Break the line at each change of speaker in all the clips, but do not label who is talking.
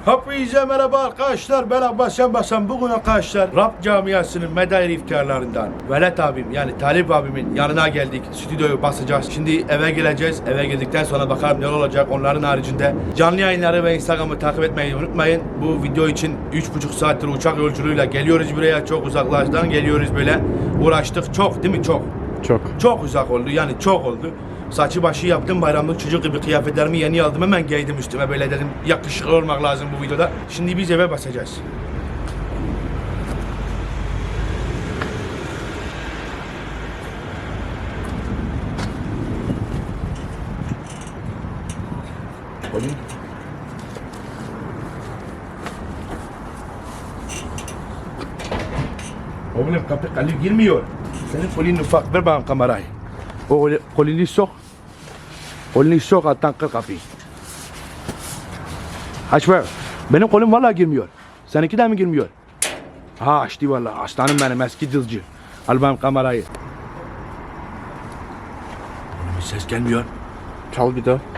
Hepinize merhaba arkadaşlar. Ben Abbas Yanbasan. Bugün arkadaşlar Rap camiasının medair iftiharlarından Velet abim yani Talip abimin yanına geldik. Stüdyoyu basacağız. Şimdi eve geleceğiz. Eve geldikten sonra bakalım ne olacak. Onların haricinde canlı yayınları ve Instagram'ı takip etmeyi unutmayın. Bu video için 3,5 saattir uçak yolculuğuyla geliyoruz buraya. Çok uzaklardan geliyoruz böyle. Uğraştık. Çok değil mi? Çok uzak oldu. Yani çok oldu. Saçı başı yaptım, bayramlık çocuk gibi kıyafetlerimi yeni aldım, hemen giydim üstüme, böyle dedim yakışıklı olmak lazım bu videoda. Şimdi biz eve basacağız. Oğlum kapı kalı girmiyor. Senin kolin ufak, ver bana kamerayı. O kolini sok. Kolini sok, alttan kır kapıyı. Aç ver. Benim kolum vallahi girmiyor. Seninki de mi girmiyor? Ha açtı vallahi. Aslanım benim eski dızcı. Al benim kamerayı. Bir ses gelmiyor.
Çal bir daha.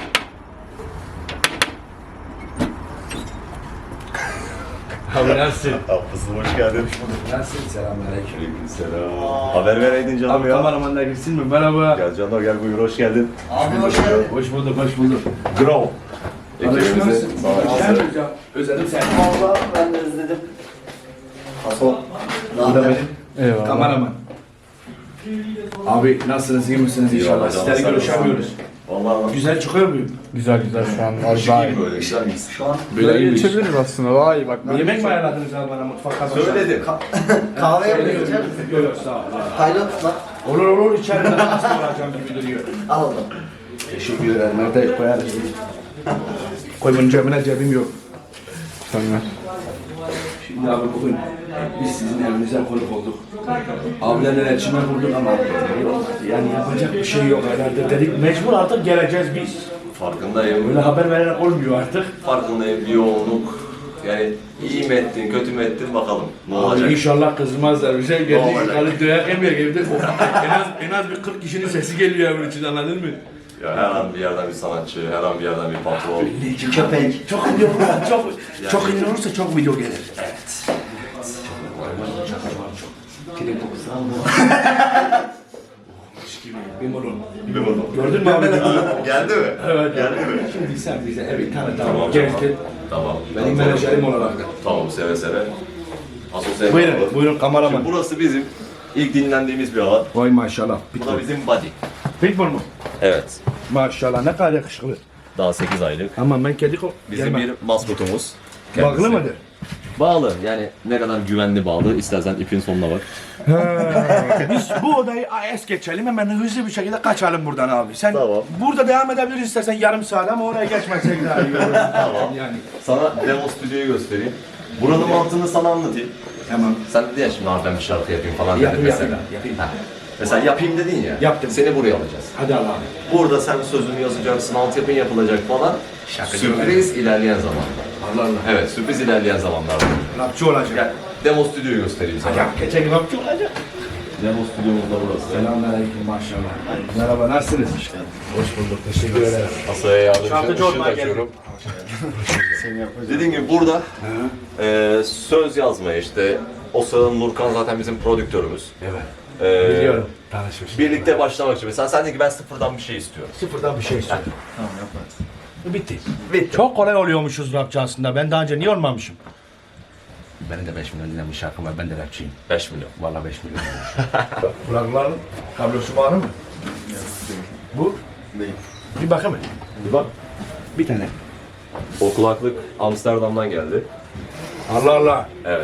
Abi nasılsın?
Abbas'ım hoş geldin.
Nasılsın? Selamünaleyküm.
Selam. Haber vereydin canım
Abi
ya.
kameraman da girsin mi? Merhaba.
Gel canım gel buyur hoş geldin.
Abi hoş geldin. Hoş bulduk, hoş bulduk.
Grow. Ekibimizi
Özledim seni.
Vallahi ben de özledim.
Haso.
Bu da benim.
Eyvallah.
Kameraman. Abi nasılsınız, iyi misiniz inşallah? Sizleri görüşemiyoruz.
Vallahi
Güzel çıkıyor muyum?
Güzel şu an var daha iyi.
böyle güzel miyiz?
Şu an
Böyle geçebiliriz aslında daha iyi bak.
Yemek mi ayarladınız abi bana mutfakta?
Söyledim.
kahve yapıyoruz. içer misin?
Yok yok sağ ol.
Pilot lan.
Olur içeride nasıl olacağım gibi duruyor.
Al onu.
Teşekkür ederim. Nerede koyarız? Koymanın cebine cebim yok.
Sen ver.
Şimdi abi bugün biz sizin evinize konuk olduk. Abilerle iletişime kurduk ama yani yapacak bir şey yok herhalde dedik. Mecbur artık geleceğiz biz.
Farkındayım.
Böyle haber vererek olmuyor artık.
Farkındayım bir yoğunluk. Yani iyi mi ettin, kötü mü ettin bakalım. Ne olacak?
Abi inşallah kızmazlar. Bir şey geldi.
olacak?
Ali döyak yemeye geldi. en az bir 40 kişinin sesi geliyor evin için, anladın mı?
Ya her an bir yerden bir sanatçı, her an bir yerden bir patron.
Köpek.
Çok video olursa çok ünlü olursa çok video gelir. Evet.
Kilit kokusu aldı.
Bir bakalım.
Gördün mü abi?
Geldi mi?
Evet.
Geldi mi?
Şimdi sen bize bir tane
Tamam,
daha gezdin.
Tamam.
Benim menajerim olarak da.
Tamam seve seve. Asosyal.
Buyurun kameraman.
Şimdi burası bizim ilk dinlendiğimiz bir alan.
Vay maşallah.
Bu da bizim body.
Pitbull mu?
Evet.
Maşallah ne kadar yakışıklı.
Daha 8 aylık.
Aman ben kedi
Bizim bir maskotumuz.
Bağlı
Kendisi.
mıdır?
Bağlı. Yani ne kadar güvenli bağlı. İstersen ipin sonuna bak.
Biz bu odayı es geçelim, hemen hızlı bir şekilde kaçalım buradan abi. Sen
Tamam.
burada devam edebiliriz istersen yarım saat ama oraya geçmezsek daha iyi olur.
Tamam.
Yani.
Sana demo stüdyoyu göstereyim. Buranın mantığını sana anlatayım.
Tamam.
Sen dedi ya şimdi abi ben bir şarkı yapayım falan dedin
Yapayım,
mesela.
yapayım.
Ha. Mesela yapayım dedin ya.
Yaptım.
Seni buraya alacağız.
Hadi Allah'ım.
Burada sen sözünü yazacaksın, altyapın yapılacak falan. Sürpriz ilerleyen zamanlar.
Allah Allah.
Evet, sürpriz ilerleyen zamanlarda.
Rapçı olacak.
Gel, demo stüdyoyu göstereyim sana.
Ya geçen rapçı olacak.
Demo stüdyomuz da burası.
Selamünaleyküm maşallah. Merhaba nasılsınız? Hoş bulduk. Teşekkür ederim.
Masaya yardımcı
Şarkıcı
ışığı
olmaya
açıyorum. Dediğim gibi burada söz yazmaya işte o sırada Nurkan zaten bizim prodüktörümüz.
Evet.
Biliyorum.
Tanışmışız.
Birlikte başlamak için. Mesela sen dedin ki ben sıfırdan bir şey istiyorum.
Sıfırdan bir şey istiyorum. Tamam yaparız. Bitti. Çok kolay oluyormuşuz rapçi aslında. Ben daha önce niye olmamışım? Benim de 5 milyon dinlenmiş şarkım var. Ben de rapçiyim.
5 milyon.
Vallahi 5 milyon. Kulakların kablosu var mı? Bu?
Değil.
Bir bakayım.
Bir bak.
Bir tane.
O kulaklık Amsterdam'dan geldi.
Allah Allah.
Evet.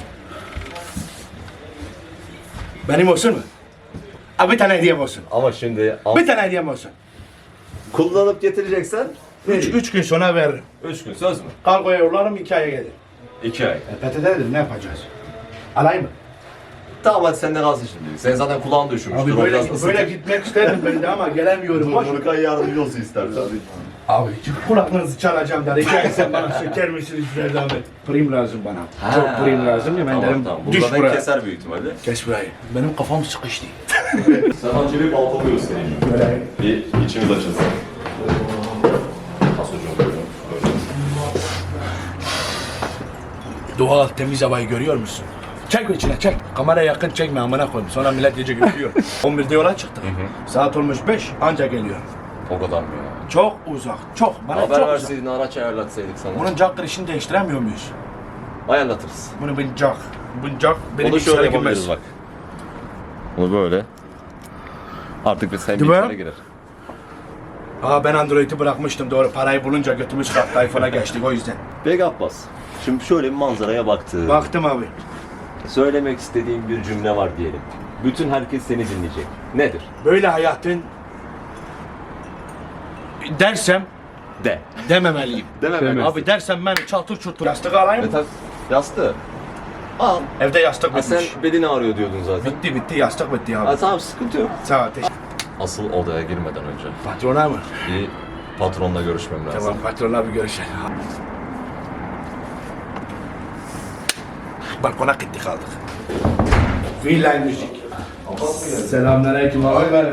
Benim olsun mu? Abi bir tane hediyem olsun.
Ama şimdi
Bir tane hediyem olsun.
kullanıp getireceksen
3 gün sonra veririm.
3 gün söz mü?
Kargoya yollarım 2 aya gelir.
2 ay.
PTT'dir ne yapacağız? Alayım mı?
Tamam hadi sen de kalsın şimdi. Sen zaten kulağın düşürmüştür.
Abi
o biraz ısıtır.
böyle gitmek isterdim ben de ama gelemiyorum. Boş ver.
Nurkan yardımcı olsun istersen.
Abi kulaklığınızı çalacağım da rica etsem bana söker misiniz size zahmet? Prim lazım bana. Çok prim lazım ya ben
Tamam
derim
tamam.
düş
Buradan
buraya.
keser büyük ihtimalle.
Kes burayı. Benim kafam sıkıştı.
Sen önce bir balkonu göstereyim.
Böyle.
Bir içimiz açılsın. Asocuğum buyurun.
Doğal temiz havayı görüyor musun? Çek içine çek. Kamera yakın çekme amına koyayım. Sonra millet gece görüyor. 11'de yola çıktık. Saat olmuş 5 anca geliyor.
O kadar mı ya?
Çok uzak. Çok. Bana
Haber
çok uzak.
verseydin, araç ayarlatsaydık sana.
Bunun jack girişini değiştiremiyor muyuz?
Ayarlatırız.
Bunu bir jack. Bu jack benim
Onu şöyle
bilgisayara
yapabiliriz
girmez.
bak. Bunu böyle. Artık biz senin
Değil mi?
bilgisayara girer.
Aa ben Android'i bırakmıştım doğru. Parayı bulunca götümüz kalktı iPhone'a geçtik o yüzden.
Peki Abbas. Şimdi şöyle bir manzaraya baktım.
Baktım abi.
Söylemek istediğim bir cümle var diyelim. Bütün herkes seni dinleyecek. Nedir?
Böyle hayatın dersem
De.
dememeliyim.
Demem.
Abi dersem ben çatır çutur. Yastık alayım mı?
Yastığı. Al.
Evde yastık
Ha, sen
bitmiş.
bedeni ağrıyor diyordun zaten.
Bitti yastık bitti abi.
Ha, tamam sıkıntı yok.
Sağ ol teşekkür.
Asıl odaya girmeden önce
Patrona mı?
bir patronla görüşmem lazım.
Tamam patronla bir görüşelim. Balkona gittik kaldık. Freeline müzik. Selamünaleyküm abi benim.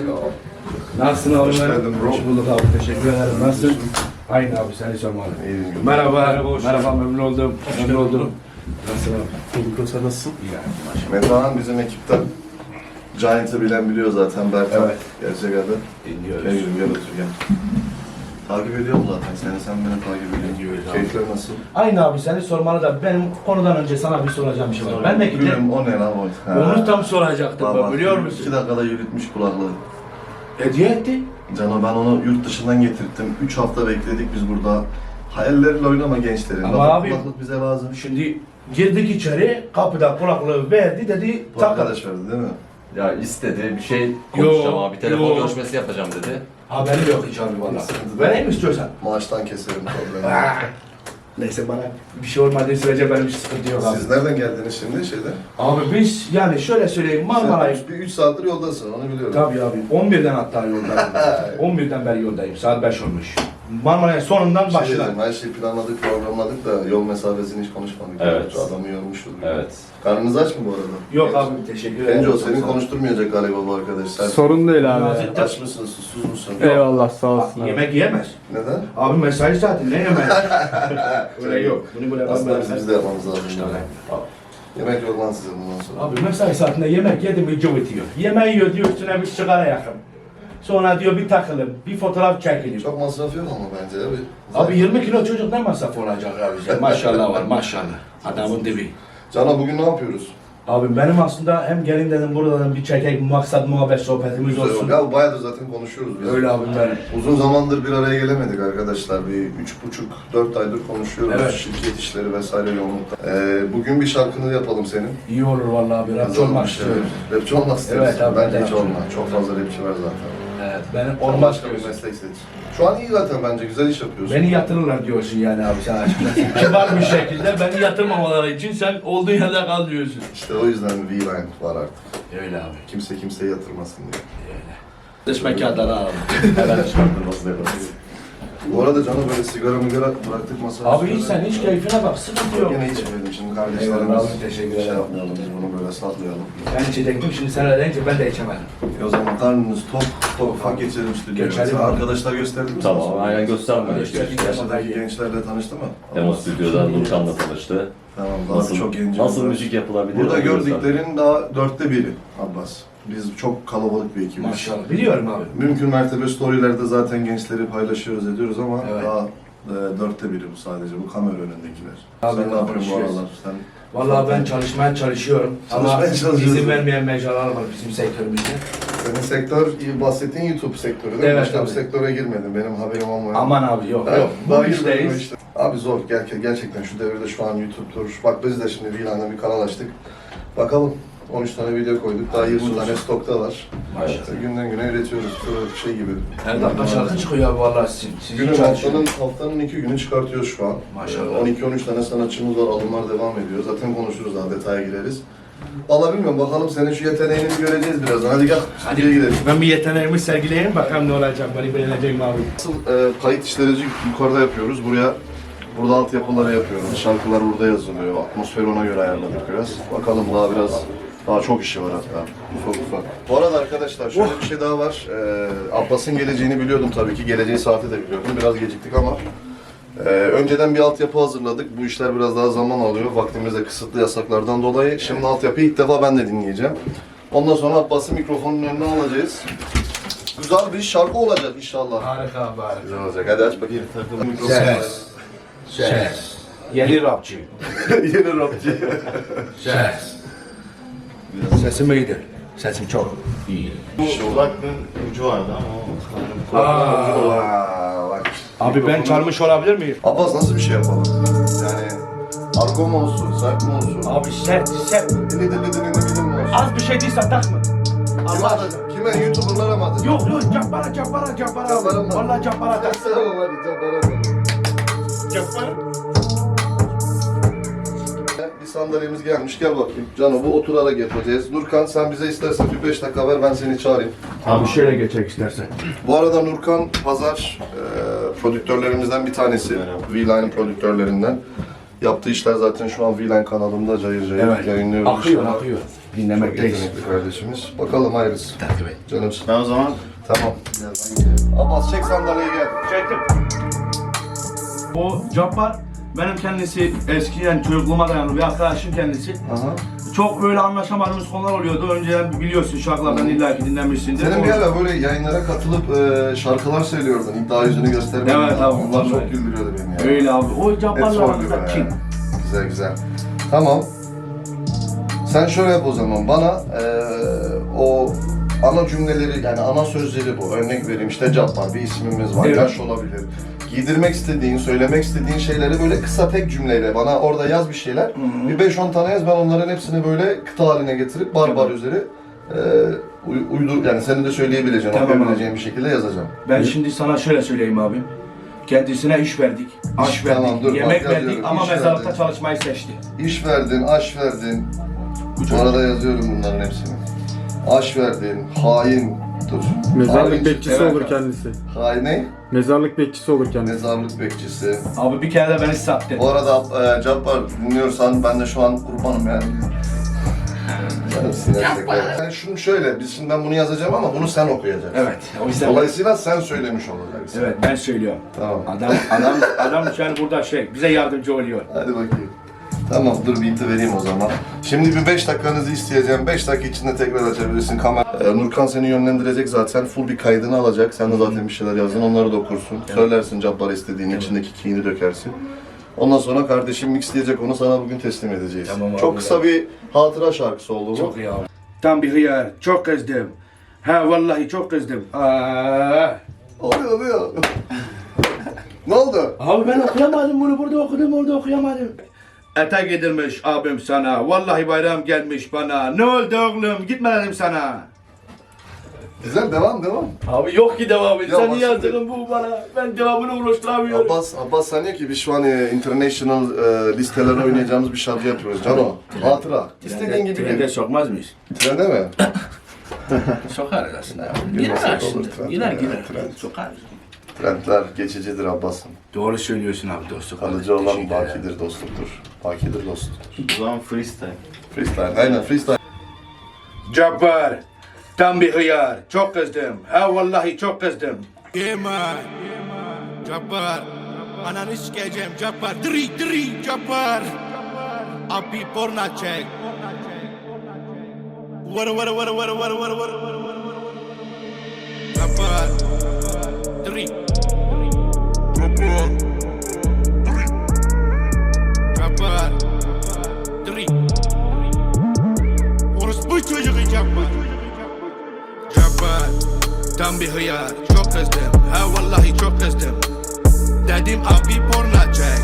Nasılsın abi benim? Hoş bulduk abi teşekkür ederim. Nasılsın? Aynı abi seni sormalı. Merhaba. Merhaba memnun oldum. Memnun oldum. Nasılsın abi?
Bulduk, sen nasılsın?
İyi yani.
Metehan bizim ekipten. Giant'ı bilen biliyor zaten Berkan.
Evet.
Gerçek adı.
Dinliyoruz.
Gel gel otur gel. Takip ediyorum zaten seni, sen beni takip ediyorsun. Keyifler nasıl?
Aynı abi seni sormalı da benim konudan önce sana bir soracağım bir şey var. Ben de gidip
Gülüm o ne lan o?
onu tam soracaktım ben biliyor musun?
2 dakikada yürütmüş kulaklığı.
Hediye etti.
Cano ben onu yurt dışından getirttim. 3 hafta bekledik biz burada. Hayalleriyle oynama gençlerin.
Ama
Bak,
abi-
kulaklık bize lazım.
Şimdi girdik içeri kapıda kulaklığı verdi dedi
Bu
takın.
arkadaş verdi değil mi?
Ya istedi bir şey konuşacağım
Yo,
abi. Telefon
yo.
görüşmesi yapacağım dedi.
Haberi yok hiç abi valla. Vereyim mi istiyorsan?
Maaştan keserim problemi.
Neyse bana bir şey olmadığı sürece benim hiç sıkıntı yok abi.
Siz nereden geldiniz şimdi şeyde?
Abi biz yani şöyle söyleyeyim Marmara'yı...
Sen bir 3 saattir yoldasın onu biliyorum.
Tabii abi 11'den hatta yoldayım. 11'den beri yoldayım saat 5 olmuş. Marmara'nın sonundan
Şey
başladım.
diyeceğim, her şeyi planladık, programladık da yol mesafesini hiç konuşmadık.
Evet.
Şu adamı yormuşuz.
Evet.
Karnınız aç mı bu arada?
Yok abi teşekkür ederim.
Bence o seni konuşturmayacak galiba bu arkadaş. Sen
Sorun değil abi.
aç mısın, susuz musun?
Eyvallah sağ olsun abi.
Yemek yiyemez.
Neden?
Abi mesai saati ne yemek? Öyle yok. Bunu böyle
Aslında biz de yapmamız lazım.
İşte
yani. Yemek yok lan size bundan sonra.
Abi mesai saatinde yemek yedim mi cıvıtıyor. Yemeği yiyor diyor üstüne bir sigara yakın. Sonra diyor bir takılım, bir fotoğraf çekelim.
Çok masraf yok ama bence abi.
Abi 20 kilo çocuk ne masraf olacak abi bize? Maşallah var maşallah. Adamın dibi.
Cana bugün ne yapıyoruz?
Abi benim aslında hem gelin dedim buradan bir çekek maksat muhabbet sohbetimiz
Güzel
olsun.
oldu. Ya bayağıdır zaten konuşuyoruz biz.
Öyle abim benim.
Uzun zamandır bir araya gelemedik arkadaşlar. Bir 3,5-4 aydır konuşuyoruz.
Evet.
Şirket işleri vesaire yoğunlukta. Bugün bir şarkını yapalım senin.
İyi olur vallahi abi. Rapçi olmak istiyorum.
Rapçi olmak istiyorsun.
Evet abi,
Bence
ben
hiç
de
olma. Çok fazla rapçi var zaten.
Evet, benim
Sen
olmak
başka bir
istiyorsun.
meslek seç. Şu an iyi zaten bence. Güzel iş yapıyorsun.
Beni yatırırlar diyorsun yani abi sen açıkçası. Kibar bir şekilde beni yatırmamaları için sen olduğun yerde kal diyorsun.
İşte o yüzden V-Line var artık.
Öyle abi.
Kimse kimseye yatırmasın diye.
Öyle. Dış mekanları alalım.
Hemen çıkartılması yaparız.
Bu arada Can'a böyle sigara bıraktık masaya.
Abi hiç sen hiç keyfine bak sıkıntı yok.
Yine içmeyelim şimdi
Eyvallah
kardeşlerimiz.
abi, teşekkür
Şey
ederim.
yapmayalım biz bunu böyle saklayalım.
Ben içecektim şimdi sen öyle deyince ben de içemedim.
O zaman karnınız tok ufak geçelim stüdyoya.
Geçelim
Sen
abi.
arkadaşlar gösterdi mi?
Tamam aynen gösterme.
Yaşadaki gençlerle tanıştı mı?
Demo stüdyoda Nurkan'la tanıştı.
Tamam daha
Nasıl,
çok genç.
nasıl
var.
müzik yapılabilir?
Burada
onu göster.
gördüklerin daha 1/4 Abbas. Biz çok kalabalık bir ekibiz.
Maşallah. Biliyorum abi.
Mümkün mertebe storylerde zaten gençleri paylaşıyoruz ediyoruz ama
Evet.
daha 1/4 bu sadece bu kamera önündekiler.
Abi,
Sen ne yapıyorsun bu
konuşuyoruz.
aralar? Sen
Vallahi ben çalışmaya çalışıyorum. Ama
Çalışmaya çalışıyorsun.
izin vermeyen mecralar var bizim sektörümüzde.
senin sektör, bahsettiğin YouTube sektörü değil mi?
Evet,
Başka bir
tabii.
sektöre girmedin benim haberim olmayan.
Aman abi yok yok.
Daha
Bu
girmedim
işteyiz.
işte. Abi zor gerçekten şu devirde şu an YouTube'dur. Bak biz de şimdi Vilan'da bir kanal açtık. Bakalım 13 tane video koyduk. Daha 20 tane stokta var.
Evet.
İşte günden güne üretiyoruz. Şöyle şey gibi.
Her dakika şarkı çıkıyor abi vallahi sizin. Sizin
Günün
çalışıyorsunuz.
haftanın 2 günü çıkartıyoruz şu an.
Maşallah.
12-13 tane sanatçımız var. Alımlar devam ediyor. Zaten konuşuruz daha detaya gireriz. Vallahi bilmiyorum bakalım senin şu yeteneğini bir göreceğiz birazdan. Hadi gel. Hadi gidelim.
Ben bir yeteneğimi sergileyeyim bakalım ne olacak. Beni beğenecek mi abi?
Asıl kayıt işleri yukarıda yapıyoruz. Burada altyapıları yapıyoruz. Şarkılar burada yazılıyor. Atmosferi ona göre ayarladık biraz. Bakalım daha çok işi var hatta. Ufak. Bu arada arkadaşlar şöyle bir şey daha var. Abbas'ın geleceğini biliyordum tabii ki. Geleceği saati de biliyordum. Biraz geciktik ama Önceden bir altyapı hazırladık. Bu işler biraz daha zaman alıyor. Vaktimiz de kısıtlı yasaklardan dolayı. Şimdi altyapıyı ilk defa ben de dinleyeceğim. Ondan sonra Abbas'ı mikrofonun önüne alacağız. Güzel bir şarkı olacak inşallah.
Harika abi, harika.
Güzel olacak. Hadi aç bakayım.
Ses. Yeni rapçi.
Yeni rapçi.
Ses. Sesim iyidir. Sesim çok iyi.
Kulaklığın ucu vardı ama
Aa, bak.
Abi ben çalmış olabilir miyim?
Abbas nasıl bir şey yapalım? Yani argo mu olsun, sert mi olsun?
Abi sert.
Dili mi olsun?
Az bir şey değilse takma. Allah aşkına.
Kime? YouTuber'lara mı adın?
Yok Cappara.
Cappara mı?
Vallahi Cappara tak.
Tamam hadi Cappara mı?
Cappara.
Bir sandalyemiz gelmiş, gel bakayım. Cano bu oturarak yapacağız. Nurkan sen bize istersen bir 5 dakika ver, ben seni çağırayım.
Abi şöyle geçecek istersen.
Bu arada Nurkan Pazar prodüktörlerimizden bir tanesi. V-Line prodüktörlerinden. Yaptığı işler zaten şu an V-Line kanalımda cayır yayınlıyoruz.
Akıyor. Dinlemekteyiz.
Yetenekli kardeşimiz. Bakalım hayırlısı.
Takip et.
Canımsın.
ben o zaman
Tamam. Abbas çek sandalyeye gel.
Çektim. O Cappar benim kendisi eskiden çocukluğuma dayanır bir arkadaşım kendisi.
Aha.
Çok böyle anlaşamadığımız konular oluyordu. Önceden biliyorsun şarkılardan illaki dinlemişsindir.
Senin bir ara böyle yayınlara katılıp şarkılar söylüyordun. İddia yüzünü göstermedin.
Evet abi,
Onlar çok
vallahi.
güldürüyordu beni ya.
Öyle abi. O
Hep
Cappar'la
sorgu
aramızda
be.
kim?
Güzel. Tamam. Sen şöyle yap o zaman. Bana o ana cümleleri, yani ana sözleri bu. Örnek vereyim, işte Cappar, bir ismimiz var,
Evet.
yaş olabilir. Giydirmek istediğin, söylemek istediğin şeyleri böyle kısa tek cümleyle bana orada yaz bir şeyler. Bir 5-10 tane yaz, ben onların hepsini böyle kıta haline getirip bar üzeri uydur, yani senin de söyleyebileceğin,
Tamam
okuyabileceğin bir şekilde yazacağım.
Ben şimdi sana şöyle söyleyeyim abi. Kendisine iş verdik, aş
Tamam,
verdik,
dur,
yemek
bak yazıyorum.
verdik ama
İş
mezarlıkta
verdik.
çalışmayı seçti.
İş verdin, aş verdin. Bu arada yazıyorum bunların hepsini. Aş verdin, hain, dur.
Mezarlık
Hain,
bekçisi
evet.
olur kendisi.
hain ne?
Mezarlık bekçisi olur kendisi.
Mezarlık bekçisi.
Abi bir kere de beni sattı.
Bu arada Cappar dinliyorsan ben de şu an kurbanım yani. Yani şunu şöyle, biz şimdi ben bunu yazacağım ama bunu sen okuyacaksın.
Evet. O yüzden
Dolayısıyla sen söylemiş olacaksın.
evet ben söylüyorum.
Tamam.
Adam yani burada bize yardımcı oluyor.
Hadi bakayım. Tamam, dur beat'i vereyim o zaman. Şimdi bir 5 dakikanızı isteyeceğim. 5 dakika içinde tekrar açabilirsin kamera. Nurkan seni yönlendirecek zaten. Full bir kaydını alacak. Sen de zaten bir şeyler yazdın. Onları da okursun. Söylersin Cappar istediğini, içindeki keyini dökersin. Ondan sonra kardeşim mixleyecek, onu sana bugün teslim edeceğiz.
Tamam abi.
Çok kısa bir hatıra şarkısı oldu bu.
Çok iyi abi. Tam bir hıyar. Çok kızdım. Ha vallahi çok kızdım.
Oluyor. Ne oldu?
Abi ben okuyamadım bunu, burada okudum, orada okuyamadım. Etek giydirmiş abim sana, vallahi bayram gelmiş bana. Ne oldu oğlum, gitme dedim sana.
Güzel, devam.
Abi yok ki devamı,
Ya
sen
bak
yazdın bu bana. Ben devamını uğraştıramıyorum.
Abbas sanıyor ki biz şu an international listelere oynayacağımız bir şarkı yapıyoruz. Cano, hatıra. İstediğin gibi
Trende
gel.
sokmaz mıyız?
Trende mi?
Sokarız aslında ya.
Girmesek
Gider
olur,
aslında.
trend.
Gider.
Trend.
Sokarız.
Trendler geçicidir Abbas'ım.
Doğru söylüyorsun abi dostum.
Kalıcı olan bakidir, dostluktur. Bakidir, dostluktur.
o zaman freestyle.
Freestyle, aynen freestyle.
Cappar, tam bir hıyar. Çok kızdım. Ha vallahi çok kızdım.
Yeman, Cappar, ananı sikeceğim Cappar, diri Cappar, abi porna çek. Vara Cappar, diri Cappar, diri orospu çocuğu Cappar. Cappar, tam bir hıyar, çok kızdım, ha vallahi çok kızdım. Dedim abi porna çek,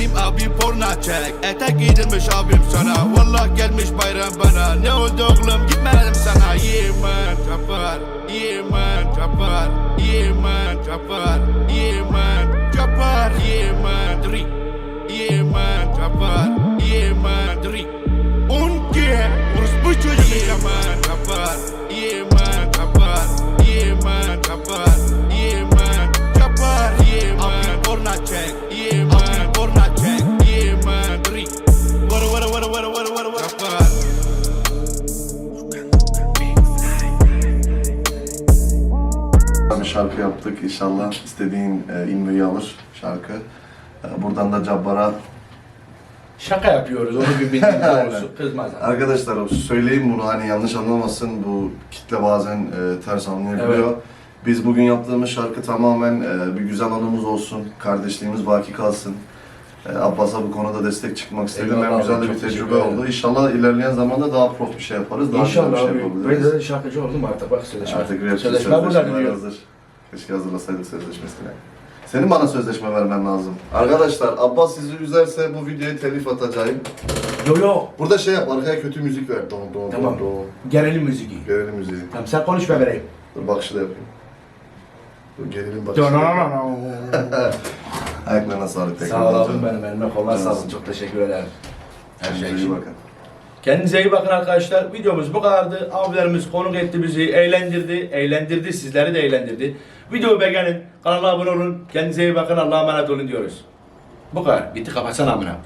etek giydirmiş abim sana, vallahi gelmiş bayram bana. Ne oldu oğlum, gitme dedim sana. Yeman Cappar, diri Yeman, diri Unke, orospu çocuğu Yeman Cappar, Cappar, abi porna çek, diri Vara Cappar.
Bir şarkı yaptık. İnşallah istediğin inmeyi alır şarkı. Buradan da Cabbar'a
Şaka yapıyoruz, onu bir bildiğin doğrusu. Kızmaz.
arkadaşlar söyleyeyim bunu hani yanlış anlamasın, bu kitle bazen ters anlayabiliyor.
Evet.
Biz bugün yaptığımız şarkı tamamen bir güzel anımız olsun, kardeşliğimiz baki kalsın. Abbas'a bu konuda destek çıkmak istedim.
Eyvallah
Hem güzel
abi,
de bir
çok teşekkür
tecrübe
ederim.
oldu. İnşallah ilerleyen zamanda daha prof bir şey yaparız. Daha güzel bir
İnşallah
şey
abi. Ben
yapabiliriz.
de şarkıcı oldum artık, bak sözleşme.
Artık rapçi
Sözleşme burada
sözleşmeler
diyor.
hazır. Keşke hazırlasaydık sözleşmesini. Senin bana sözleşme vermen lazım. Arkadaşlar Abbas sizi üzerse bu videoya telif atacağım.
Yo yo.
Burada şey yap, arkaya kötü müzik ver. Don don
Tamam.
don don.
Gerilim müziği.
Gerilim müziği.
Tamam sen konuş ben vereyim.
Dur bakışı da yapayım. Dur gerilim bakışı. Ayaklarına sağlık tekrar.
Sağ ol abim benim, elime kollar sağ olsun. Çok teşekkür ederim. Her şey
Kendinize iyi
için.
bakın.
Kendinize iyi bakın arkadaşlar. Videomuz bu kadardı. Abilerimiz konuk etti bizi, eğlendirdi, sizleri de eğlendirdi. Videoyu beğenin, kanala abone olun. Kendinize iyi bakın, Allah'a emanet olun diyoruz. Bu kadar. Bitti, kapatsana amına.